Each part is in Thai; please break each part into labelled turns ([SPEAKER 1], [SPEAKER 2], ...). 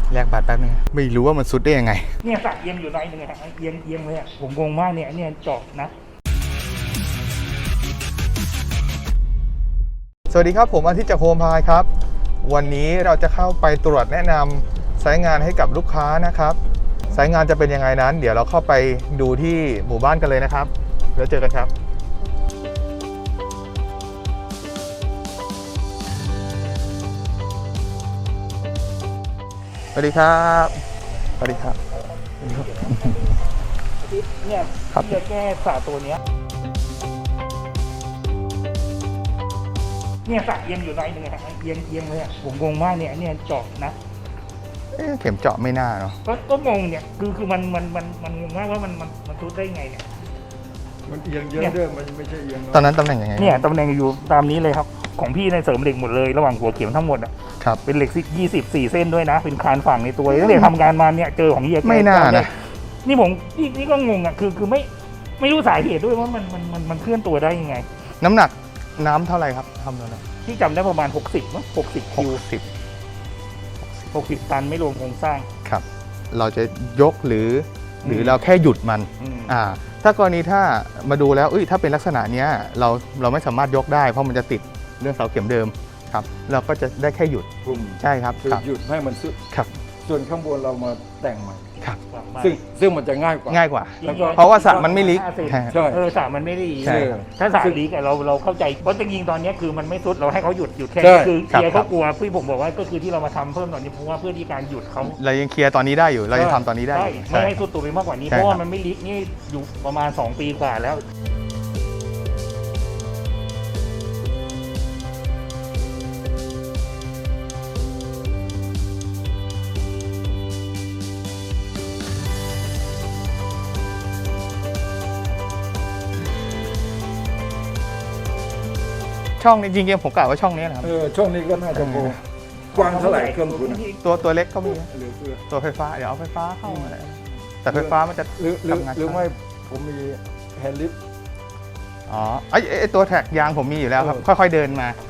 [SPEAKER 1] แลกบัตรแป๊บนึงไม่รู้ว่ามันซุดได้ยังไง
[SPEAKER 2] เนี่ยสักเอียงอยู่หน่อยนึงอะเอียงเลยอะผมงงมากเนี่ยเจาะนะ
[SPEAKER 1] สวัสดีครับผมอาทิตย์จากโฮมพายครับวันนี้เราจะเข้าไปตรวจแนะนำสายงานให้กับลูกค้านะครับสายงานจะเป็นยังไงนั้นเดี๋ยวเราเข้าไปดูที่หมู่บ้านกันเลยนะครับแล้วเจอกันครับสวัสดีครับสวัสดีครับ
[SPEAKER 2] เนี่ย
[SPEAKER 1] ครับ
[SPEAKER 2] จะแก้สระตัวเนี้ยเนี่ยสักเอียงอยู่หน่อยนึงอะเอียงเลยอะผมงงมากเนี่ยเจาะนะ
[SPEAKER 1] เข็มเจาะไม่น่าเนาะ
[SPEAKER 2] ก็งงเนี่ยคือมันงงมากว่ามันทุบได้ไงเนี่ย
[SPEAKER 3] มันเอียงเยอะด้วยมันไม่ใช่เอียง
[SPEAKER 1] ตอนนั้นตำแหน่งยังไง
[SPEAKER 2] เนี่ยตำแหน่งอยู่ตามนี้เลยครับของพี่ในเสริมเหล็กหมดเลยระหว่างหัวเข็มทั้งหมดอ่ะ
[SPEAKER 1] ครับ
[SPEAKER 2] เป็นเหล็ก24 เส้นด้วยนะเป็นคานฝั่งในตัวตั้งแต่ทำงานมาเนี่ยเจอของเฮีย
[SPEAKER 1] ไม่น่านะ
[SPEAKER 2] นี่ผมนี่ก็งงอ่ะคือไม่รู้สาเหตุด้วยว่ามันเคลื่อนตัวได้ยังไง
[SPEAKER 1] น้ำหนักน้ำเท่าไหร่ครับทำแล้วนะ
[SPEAKER 2] ที่จำได้ประมาณ60มั้ง60 คิว60 ตันไม่รวมโครงสร้าง
[SPEAKER 1] ครับเราจะยกหรือเราแค่หยุดมันถ้ากรณีถ้ามาดูแล้วถ้าเป็นลักษณะนี้เราไม่สามารถยกได้เพราะมันจะติดเรื่องเสาเข็มเดิมครับเราก็จะได้แค่หยุดใช่ครับ
[SPEAKER 3] คือหยุดให้มันสุด
[SPEAKER 1] ครับ
[SPEAKER 3] ส่วนข้างบนเรามาแต่งใหม่
[SPEAKER 1] ครับ
[SPEAKER 3] ซึ่งมันจะง่ายกว่า
[SPEAKER 1] เพราะว่าสระมันไม่ลิก
[SPEAKER 3] ใช่
[SPEAKER 2] สระมันไม่ดีถ้าสระลิกเราเข้าใจเพราะจริงๆตอนนี้คือมันไม่สุดเราให้เขาหยุดแค่คือเคลียร์เขากลัวพี่ผมบอกว่าก็คือที่เรามาทำเพิ่มตอนนี้เพราะว่าเพื่อที่การหยุดเขา
[SPEAKER 1] เรายังเคลียร์ตอนนี้ได้อยู่เรายังทำตอนนี้ได้
[SPEAKER 2] ไม่ให้สุดตัวไปมากกว่านี้เพราะว่ามันไม่ลิกนี่อยู่ประมาณ2 ปีกว่าแล้ว
[SPEAKER 1] ช่องนี้จริงๆผมกล่าวว่าช่องนี้นะครับ
[SPEAKER 3] ช่องนี้ก็น่าจะโบกว้างเท่าไหร่เครื่องคุณ
[SPEAKER 1] ตัวเล็กก็มีตัวไฟฟ้าเดี๋ยวเอาไฟฟ้าเข้ามาเลยแต่ไฟฟ้ามันจะ
[SPEAKER 3] หรือไม่ผมมีแฮนด์ลิฟต์
[SPEAKER 1] ไอตัวแท็กยางผมมีอยู่แล้วครับค่อยๆเดินมา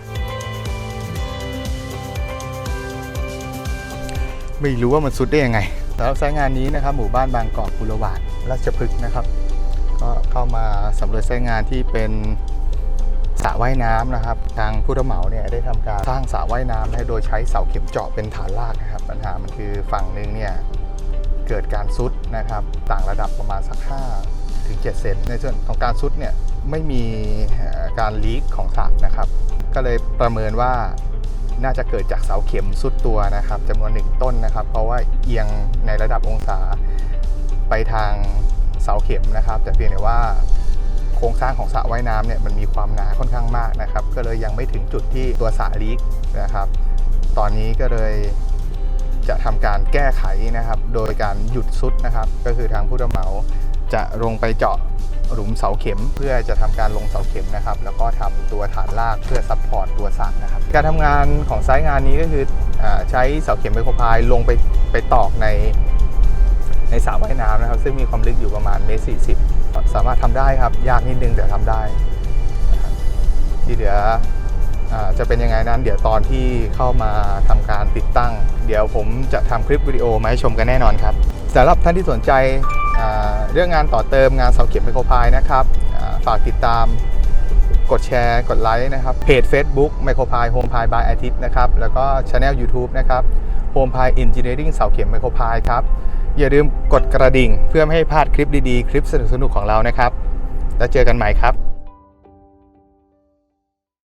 [SPEAKER 1] ไม่รู้ว่ามันซุดได้ยังไงแล้วสายงานนี้นะครับหมู่บ้านบางกอกกุลวาดราชพฤกษ์นะครับก็เข้ามาสำรวจสายงานที่เป็นสระว่ายน้ำนะครับทางผู้รับเหมาเนี่ยได้ทำการสร้างสระว่ายน้ำโดยใช้เสาเข็มเจาะเป็นฐานรากนะครับปัญหามันคือฝั่งหนึ่งเนี่ยเกิดการซุดนะครับต่างระดับประมาณสัก5 ถึง 7 เซนในส่วนของการซุดเนี่ยไม่มีการลีกของสระนะครับก็เลยประเมินว่าน่าจะเกิดจากเสาเข็มซุดตัวนะครับจำนวน1 ต้นนะครับเพราะว่าเอียงในระดับองศาไปทางเสาเข็มนะครับแต่เพียงแต่ว่าโครงสร้างของสระว่ายน้ำเนี่ยมันมีความหนาค่อนข้างมากนะครับก็เลยยังไม่ถึงจุดที่ตัวสระลีกนะครับตอนนี้ก็เลยจะทำการแก้ไขนะครับโดยการหยุดซุดนะครับก็คือทางผู้รับเหมาจะลงไปเจาะหลุมเสาเข็มเพื่อจะทำการลงเสาเข็มนะครับแล้วก็ทำตัวฐานรากเพื่อซัพพอร์ตตัวสระนะครับการทำงานของสายงานนี้ก็คือใช้เสาเข็มไมโครพายลงไปตอกในสระว่ายน้ำนะครับซึ่งมีความลึกอยู่ประมาณ1.40 เมตรสามารถทำได้ครับยากนิดนึงแต่ทำได้นะครับที่เหลือจะเป็นยังไงนั้นเดี๋ยวตอนที่เข้ามาทำการติดตั้งเดี๋ยวผมจะทำคลิปวิดีโอมาให้ชมกันแน่นอนครับสำหรับท่านที่สนใจเรื่องงานต่อเติมงานเสาเข็มไมโครพายนะครับฝากติดตามกดแชร์กดไลค์นะครับเพจ Facebook ไมโครพายโฮมพายบายอาทิตย์นะครับแล้วก็ Channel YouTube นะครับโฮมพายอินจิเนียริ่งเสาเข็มไมโครพายครับอย่าลืมกดกระดิ่งเพื่อไม่ให้พลาดคลิปดีๆคลิปสนุกๆของเรานะครับแล้วเจอกันใหม่ครับ